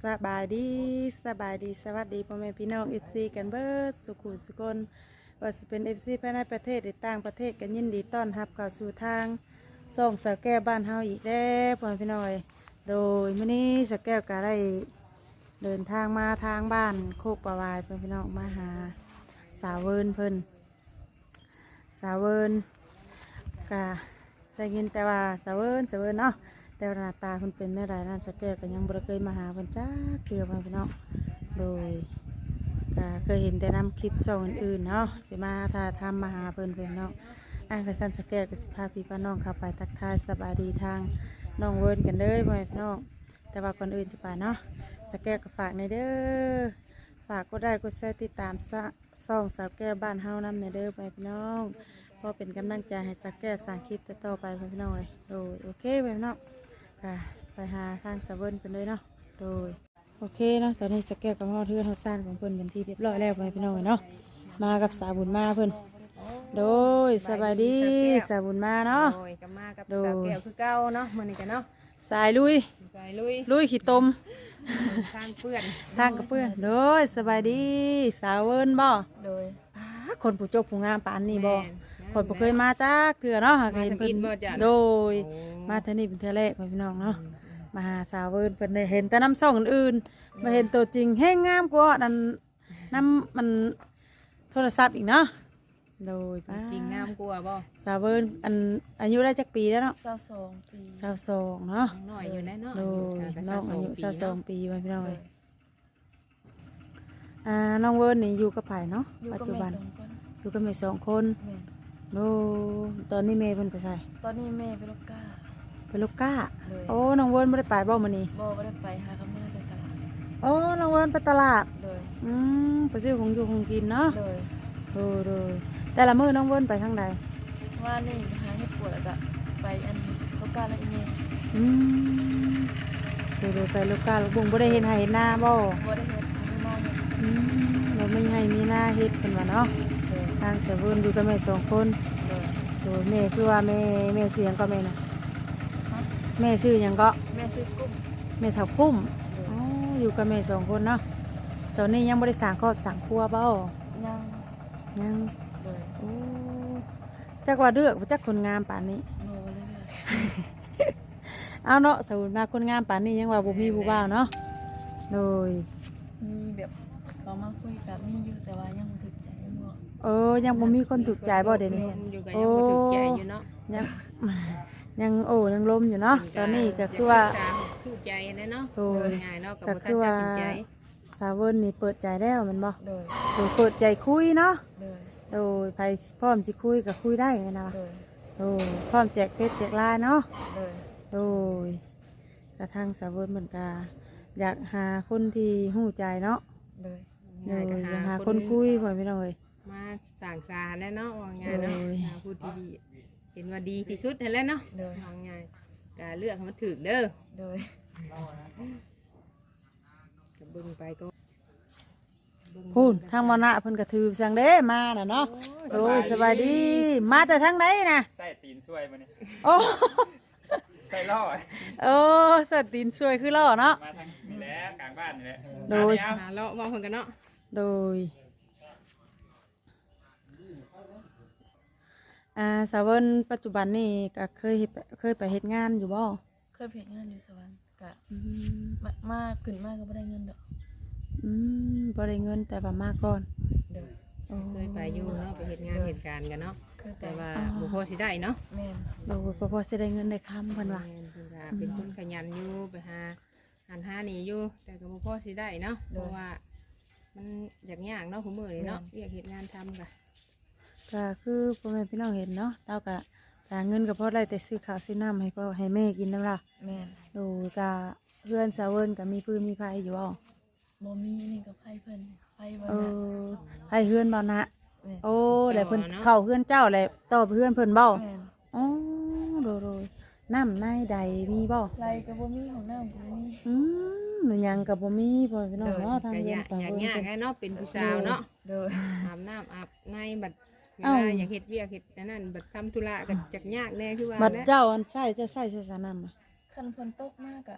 บายดีสบายดีสวัสดีพ่อแม่พี่น้อง FC กันเบิดสุขุสุกนว่าจะเป็น FC ภายในประเทศหรือต่างประเทศกันยินดีต้อนรับเข้าสู่ทางส่องสาวแก้วบ้านเฮาอีกแล้วพ่อแม่พี่น้องโดยมื้อนี้สาวแก้วก็ได้เดินทางมาทางบ้านโคกประวายพ่อแม่พี่น้องมาหาสาวเวิร์นเพิ่นสาวเวิร์นก็ได้ยินแต่ว่าสาวเวิร์นเนาะแต่หน้าตาคนเป็นเมื่อไรนั่นสแกก็ยังบ่ได้เคยมาหาเพิ่นจ้าเกือมาพี่น้องโดยก็เคยเห็นแต่นำคลิปส่องอื่นๆเนาะสิมาถ้าทำมาหาเพิ่นเนาะกระสันสแกก็สิพาพี่น้องเข้าไปทักทายสบายดีทางน้องเวิร์นกันเลยพี่น้องแต่ว่าก่อนอื่นจะไปเนาะสแกก็ฝากในเด้อฝากก็ได้กดแชร์ติดตามส่องสาวแก้วบ้านเฮานำในเด้อพี่น้องพอเป็นกำลังใจให้สแกสร้างคลิปต่อไปพี่น้องเลยโดยโอเคพี่น้องไปหาทางสะเวินกันเลยเนาะโดยโอเคเนาะตอนนี้จะแก้กับห่อเทือนห่อซ่านของเพิ่นเป็นที่เรียบร้อยแล้วไปพี่น้องเนาะมากับสาวบุญมาเพิ่นโดยสบายดีสาวบุญมาเนาะโดยกับมากับสาวแก้วคือเก่าเนาะมื้อนี้กันเนาะสายลุยลุยขี้ตมทางเปื้อนทางกับเพื่อนโดยสบายดีสาวเวินบ่โดยคนผู้จบผู้งามปานนี้บ่คนบ่เคยมาจักเถื่อเนาะเห็นเพิ่นโดยมาเท่านี้เป็นเทื่อแรกพี่น้องเนาะมาหาสาวเวิร์นเพิ่นได้เห็นแต่น้ำส่องอื่นๆมาเห็นตัวจริงแห้งงามกว่านั่นน้ำมันโทรศัพท์อีกเนาะโดยจริงงามกว่าบ่สาวเวิร์นอายุได้จักปีแล้วเนาะ 22 ปี 22เนาะน้อยอยู่แน่เนาะโดยน้องอายุ22ปีพี่น้องน้องเวิร์นนี่อยู่กับไผเนาะปัจจุบันอยู่กับแม่2 คนโอ้ตอนนี้แม่เพิ่นไปไสตอนนี้แม่ไปลูกก้าโอ้น้องเวิร์นไม่ได้ไปบ่มื้อนี้บ่ได้ไปหากับแม่แต่ตลาดโอ้น้องเวิร์นไปตลาดเลยไปซื้อของอยู่ของกินเนาะเลยแต่ละมื้อน้องเวิร์นไปทางใดว่านี่หาเฮ็ดปวดแล้วก็ไปลูกก้าแล้วอีเมไปลูกกาลูกบุ้งบ่ได้เห็นไห้เห็นหน้าบ่ได้เฮ็ดไม่มาเฮ็ดบ่มีให้มีหน้าเฮ็ดเพิ่นว่าเนาะทางแต่เพิ่นอยู่กับแม่2 คนแม่คือว่าแม่ชื่อหยังก็แม่น่ะแม่ชื่อหยังก็แม่ซื้อกุ้งแม่เฒ่ากุ้มอยู่กับแม่2 คนเนาะตอนนี้ยังบ่ได้สร้างครอบสร้างครัวบ่ยังโอ้จักว่าเลือกบ่จักคนงามปานนี้เอาเนาะสมมุติว่าคนงามปานนี้ยังว่าบ่มีผู้บ่าวเนาะโดยมีแบบเขามาคุยกับมีอยู่แต่ว่ายังบ่ถูกใจบ่ยังบ่มีคนถูกใจบ่เดี๋ยวนี้อยู่ก็ยังบ่ถูกใจอยู่เนาะยังล้มอยู่เนาะตอนนี้ก็คือว่าถูกใจแน่เนาะง่ายเนาะก็บ่ทันตัดสินใจสาวเวิร์นนี่เปิดใจแล้วแม่นบ่เปิดใจคุยเนาะโดยไผพร้อมสิคุยก็คุยได้แม่นบ่พร้อมแจกเฟซแจกไลน์เนาะโดยกระทั่งสาวเวิร์นเหมือนกันอยากหาคนที่หู้ใจเนาะอยากหาคนคุยพ่อพี่น้องมาสั่งสาแน่เนาะว่าง่ายเนาะพูดที่ดีเห็นว่าดีที่สุดนั่นแหละเนาะว่าง่ายก็เลือกมันถูกเด้อก็เบิ่งไปก็พูดทางมรณะเพิ่นกระถือจังเด้มาน่ะเนาะโอ้ยสบายดีมาแต่ทางไหนน่ะใส่ตีนช่วยมานี่โอ้ใส่ล่อใส่ตีนช่วยคือล่อเนาะมาทางนี่แหละกลางบ้านนี่แหละโดยหาเลาะมองเพิ่นกันเนาะโดยสาวเวิร์นปัจจุบันนี่ก็เคยไปเฮ็ดงานอยู่บ่เคยไปเฮ็ดงานอยู่สวรรค์ก็มาขึ้นมาก็บ่ได้เงินดอกบ่ได้เงินแต่ว่ามาก่อนเคยไปอยู่เนาะไปเฮ็ดงานเหตุการณ์กันเนาะแต่ว่าบ่พอสิได้เนาะแม่นบ่พอสิได้เงินได้คำเพิ่นว่าเป็นคนขยันอยู่ไปหานี่อยู่แต่ก็บ่พอสิได้เนาะเพราะว่ามันยากเนาะผู้มื้อนี้เนาะเรียกเฮ็ดงานทำก็คือพ่อแม่พี่น้องเห็นเนาะเต้าก็หาเงินก็พอได้แต่ซื้อข้าวซื้อน้ำให้พ่อให้แม่กินนำล่ะแม่นก็เพื่อนสาวเวิร์นก็มีปืนมีไฟอยู่บ่มีนี่ก็ไผเพิ่นไผบ่นะไผเฮือนบ่นะแล้วเพิ่นเข้าเฮือนเจ้าแล้วต่อเฮือนเพิ่นบ่โดยน้ำในใดมีบ่ไรก็บ่มีของน้ำก็บ่มีมันยังก็บ่มีพ่อพี่น้องเนาะทางเฮือนสาวเวิร์นยากเนาะเป็นผู้สาวเนาะอาบน้ำอาบในบัดเวลาอยากเฮ็ดเวียกเฮ็ดนั่นบัดทำธุระก็จักยากแน่คือว่าบัดเจ้าใส่จะใส่สาน้ำคันฝนตกมากอะ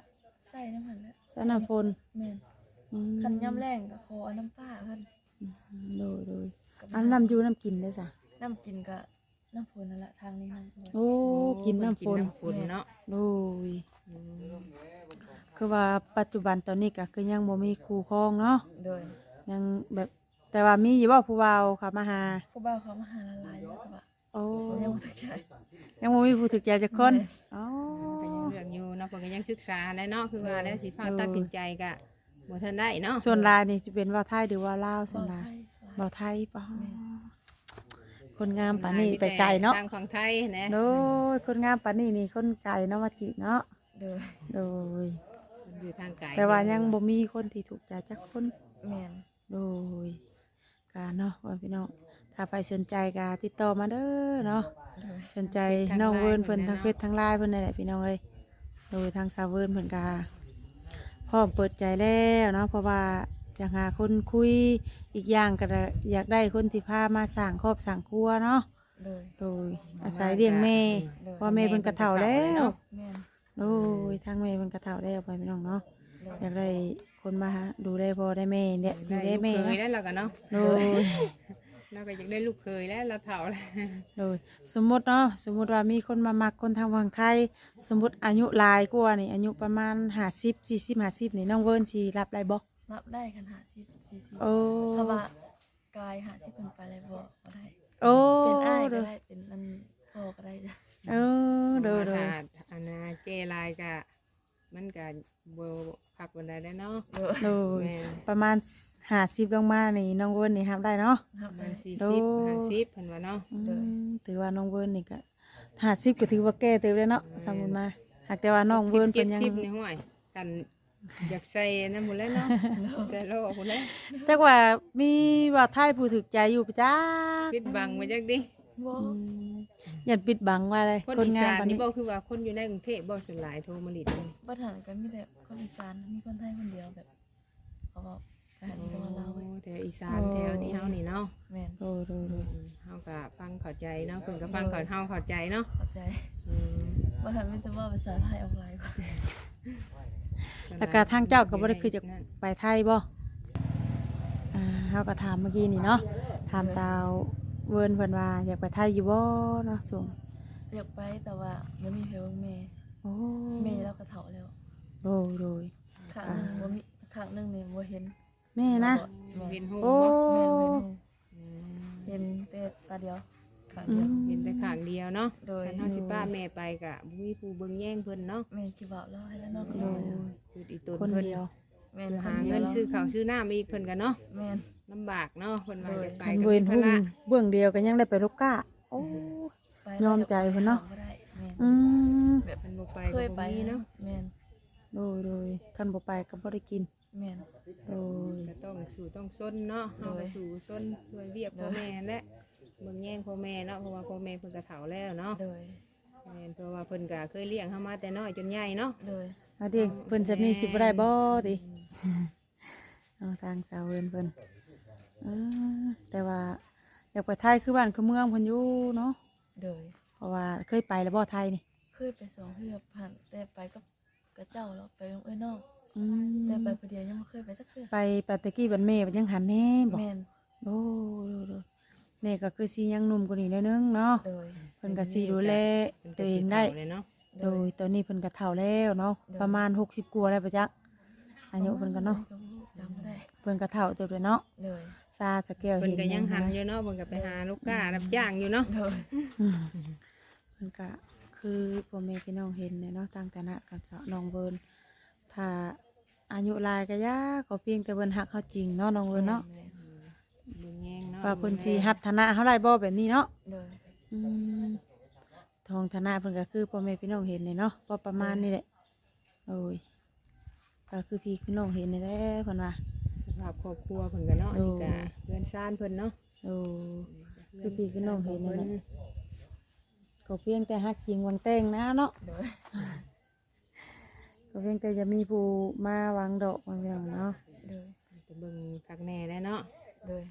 ใส่น้ำมันแล้วสน้ำฝนแม่นอืมคันย่ำแรงก็ขอเอาน้ำป้าเพิ่นโดยก็อันน้ำอยู่น้ำกินได้จ้ะน้ำกินก็น้ำฝนนั่นแหละทางนี้น้ำฝนโอ้กินน้ำฝนกินน้ำฝนเนาะโดยคือว่าปัจจุบันตอนนี้ก็คือยังบ่มีครูครองเนาะโดยยังแบบแต่ว่ามีอยู่บ่ผู้เว้าค่ะมาหาผู้บ่าวเขามาหาละลายอยู่ก็ว่าโอ้ยังบ่ถึกใจยังบ่มีผู้ถึกใจจักคนแม่อ๋อก็ยังเลือกอยู่เนาะเพิ่นก็ยังศึกษาแหล้วเนาะคือว่าแล้วสิพาตัดสินใจก็บ่ทันได้เนาะส่วนลายนี่จะเป็นเว้าไทยหรือว่าลาวส่วบ่นลายไทยเว้าไทยป่ะแม่คนงามปานนี้ไปไกลเนาะทางฝั่งไทยนะโดยคนงามปานนี้นี่คนไกลเนาะมาจีเนาะโดยโดยอยู่ทางไกลแต่ว่ายังบ่มีคนที่ถูกใจจักคนแม่นโดยการเนาะว่าพี่น้องถ้าใครสนใจก็ติดต่อมาเด้อเนาะโดยสนใจน้องเวิร์นเพิ่นทางเฟซทางไลน์เพิ่นนั่นแหละพี่น้องเอ้ยโดยทางสาวเวิร์นเพิ่นก็พร้อมเปิดใจแล้วเนาะเพราะว่าอยากหาคนคุยอีกอย่างก็อยากได้คนที่พามาสร้างครอบสร้างครัวเนาะโดยโดยอาศัยเลี้ยงแม่เพราะแม่เพิ่นกระเฒ่าแล้วแม่นโดยทางแม่เพิ่นกระเฒ่าแล้วไปพี่น้องเนาะโดยอยากได้คนมาดูได้พ่อได้แม่เนี่ยดูได้แม่ลูกเคยเนาะแล้วเราก็เนาะโดยเราก็อยากได้ลูกเคยแล้วเราเฒ่าแล้วโดยสมมติเนาะสมมติว่ามีคนมามักคนทางฝั่งไทย สมมติอายุหลายกว่านี่อายุประมาณ50 40 50นี่น้องเวิร์นสิรับได้บ่รับได้คัน50 40 โอ้ถ้าว่ากาย50เพิ่นไปเลยบ่ได้โอ้เป็นอ้ายโดก็ยได้เป็นอันพ่อก็ได้จ้ะเออโดยโดยถ้าอันน่ะเจลายก็มันก็บ่พักบันไดได้เนาะโดยโดยแม่นประมาณ50ลงมานี่น้องเวิร์นนี่รับได้เนาะรับมัได้นโดย 40 50เพิ่นว่าเนาะอืมถือว่าน้องเวิร์นนี่ก็50ก็ถือว่าแก่เติบแล้วเนาะสมมุติมาหากแต่ว่าน้องเวิร์นเพิ่นยัง 70นี่ห้วยกันอยากใส่นั่นหมดแล้วเนาะใส่โลกหมดแล้วแต่ว่ามีว่าไทยผู้ถึกใจอยู่ปะจ้าปิดบังไว้จักดิบ่อย่าปิดบังว่าอะไรคนคนอีงามสานปานนี่นี้บ่คือว่าคนอยู่ในกรุงเทพบ่ส่วนหลายโทรมาลิดนี่บ้านหันก็มีแต่คนอีสานมีคนไทยคนเดียวแบบเขาบอกอาหารก็มาเล่าไว้แถวอีสานแถวนี้เฮานี่เนาะแม่นโดยโดยโดยเฮาก็ฟังเข้าใจเนาะเพิ่นก็ฟังเข้าเฮาเข้าใจเนาะเข้าใจอืมบ้านหันมีแต่ว่าภาษาไทยออกหลายกว่าแล้วก็ทางเจ้าก็บ่ได้คือจะไปไทยบ่เฮาก็ถามเมื่อกี้นี่เนาะถามสาวเวิร์นเพิ่นว่าอยากไปไทยอยู่บ่เนาะส่งอยากไปแต่ว่าไม่มีเพลงแม่โอ้แม่เราก็เฒ่าแล้วโดยโดยข้างหนึงบ่มีข้างหนึงนี่บ่เห็นแม่นะแม่เห็นหูโอ้บ่แม่นเห็นอืมเห็นแต่ตาเดียวข้างอืเดียวมเห็นแต่ข้างเดียวเนาะโดยคันเฮาสิป้าแม่ไปก็บ่มีผู้เบิ่งแย่งเพิ่นเนาะแม่คิดว่าเราให้แล้วเนาะโดยคืออีตนคนเพิ่นเดียวแม่นเพื่อคหานดีเงิยนวซื้อข้าวซื้อน้ำอีกเพิ่นก็เนาะแม่นลำบากเนาะเพิ่นว่าจะไปคันก็เวิเป็น นหุ่ภาน ระเบื้องเดียวก็ยังได้ไปลูกก้าโอ้ไปยอมใจเพิ่นเนาะบ่ได้แม่นอืมแบบเพิ่นบ่ไปเคก็ยบ่ไปมีเนาะแม่นโดยคันบ่ไปก็บ่ได้กินแม่นโดยก็ต้องสู้ต้องซนเนาะเฮาก็สู้ซนด้วยเวียกพ่อแม่แหละเบิ่งแย่งพ่อแม่เนาะเพราะว่าพ่อแม่เพิ่นก็เฒ่าแล้วเนาะโดยแม่นเพราะว่าเพิ่นก็เคยเลี้ยงเฮามาแต่น้อยจนใหญ่เนาะโดยอาเดียงเพิ่นจะมีสิบ่ได้บ่ติเอาทางสาวเวินเพิ่นแต่ว่าอยากไปไทยคือบ้านคือเมืองเพิ่นอยู่เนาะโดยเพราะว่าเคยไปแล้วบ่ไทยนี่เคยไปสองเทื่อผ่านแต่ไปกับเจ้าแล้วไปกับเอ้ยน้องอืมแต่ไปคนเดียวยังไม่เคยไปสักเทื่อไปตะกี้บันแม่บัดยังหันแน่บ่แม่นโอ้โดยแม่ก็คือสิยังหนุ่มกว่านี้แล้วนึงเนาะโดยเพิ่นก็สิดูแลเพิ่นตัก็วเอสิงได้เฒ่าเลยเนาะโดยตอนนี้เพิ่นก็เฒ่าแล้วเนาะประมาณ60กว่าแล้วปะจักอายุเพิ่นก็เนาะจำไม่ได้เพิ่นก็เฒ่าเติบแล้วเนาะโดยซาสะแก้วเพิ่นเห็นก็ยังหันนะอยู่เนาะเพิ่นก็ไปหาลูกค้ารับจ้างอยู่เนาะโดยอืมเพิ่นก็คือพ่อแม่พี่น้องเห็นเนี่ยเนาะต่างฐานะกันสะน้องเวิร์นถ้าอายุหลายก็ยากก็เพียงแต่เพิ่นฮักเฮาจริงเนาะน้องเวิร์นเนาะแม่นเบิ่งแย่งเนาะว่าเพิ่นสิฮับฐานะเฮาได้บ่แบบนี้เนาะโดยอืมทองฐานะเพิ่นก็คือพ่อแม่พี่น้องเห็นเนี่ยเนาะพอประมาณนี้แหละโอ้ยก็คือพี่คือน้องเห็นนี่แหละเพิ่นว่าสภาพครอบครัวเพิ่นก็เนาะโอ้นี่ก็เพื่อนซ่านเพิ่นเนาะโอ้คือพี่คือน้องเห็นนี่แหละก็เพียงแต่ฮักจริงหวังแต่งนะเนาะโดยก็เพียงแต่จะมีผู้มาวางดอกมาพี่น้องเนาะโดยจะเบิ่งคักแน่แล้วเนาะโดย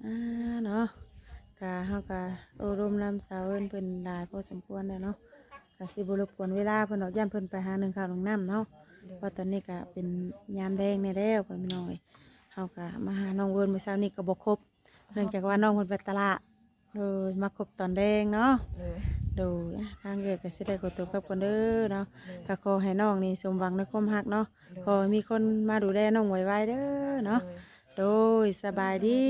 เนาะกะเฮากะโอรมนำสาวเอิ้นเพิ่นหลายพอสมควรแล้วเนาะกก็สิบ่รบกวนเวลาเพิ่นดอกย่านเพิ่นไปหาหนึ่งข้าวหนึ่งน้ำเนาะเพราะตอนนี้ก็เป็นยามแดงในแล้วเพิ่นพี่น้องเอ้ยเฮาก็มาหาน้องเวิร์นเมื่อเช้านี้ก็บ่ครบเนื่องจากว่าน้องเพิ่นไปตลาดเลยมาครบตอนแดงเนาะเลยดูทางเกิดก็สิได้กดตัวกับคนเด้อเนาะก็ขอให้น้องนี่สมหวังในความรักเนาะขอให้มีคนมาดูแลน้องไวๆเด้อเนาะโดยสบายดี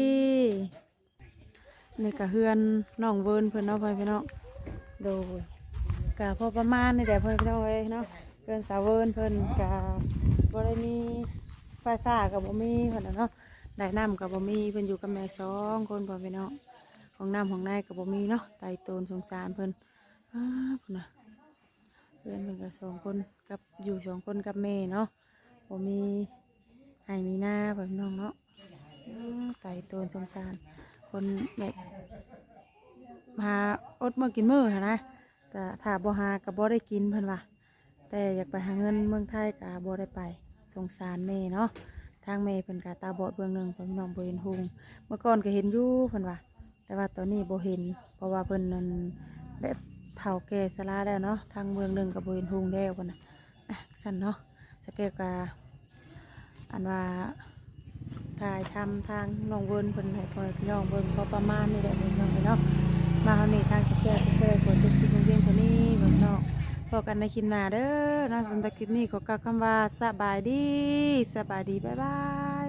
นี่ก็เฮือนน้องเวิร์นเพิ่นเนาะเพิ่นพี่น้องโดยก็พอประมาณนี่แหละเพิ่นพี่น้องเอ้ยเนาะเพิ่นสาวเวิร์นเพิ่นก็บ่ได้มีไฟฟ้าก็บ่มีเพิ่นน่ะเนาะได้น้ำก็บ่มีเพิ่นอยู่กับแม่สองคนพ่อพี่น้องของน้ำของนายก็บ่มีเนาะไตโตนสงสารเพิ่น พุ่นนะเพื่อนเพิ่นก็2 คนกับอยู่2 คนกับแม่เนาะบ่มีให้มีหน้าแบบน้องเนาะไก่โตนสงสารคนแบบหาอดมื้อกินมื้อหั่นนะแต่ถ้าบ่หาก็บ่ได้กินเพิ่นว่าแต่อยากไปหาเงินเมืองไทยก็บ่ได้ไปสงสารแม่เนาะทางแม่เพิ่นก็ตาบอดเบื้องหนึงเพิ่นน้องบ่เห็นหุงเมื่อก่อนก็เห็นอยู่เพิ่นว่าแต่ว่าตอนนี้บ่เห็นเพราะว่าเพิ่นนั้นแบบเฒ่าแก่ชราแล้วเนาะทางเมืองหนึ่งกับเวนทุงแล้วกันนะสั่นเนาะสเกลกาอันว่าถ่ายทำทางน้องเวิร์นเพิ่นให้พ่อพี่น้องเบิ่งพอประมาณนี่แหละเบิ่งน้องเนาะมาเฮานี่ทางสเกลกดจุดที่โรงเรียนคนนี้เบิ่งเนาะพอกันในคลิปหน้าเด้อเนาะสำหรับคลิปนี้ขอกล่าวคำว่าสบายดีบ๊ายบาย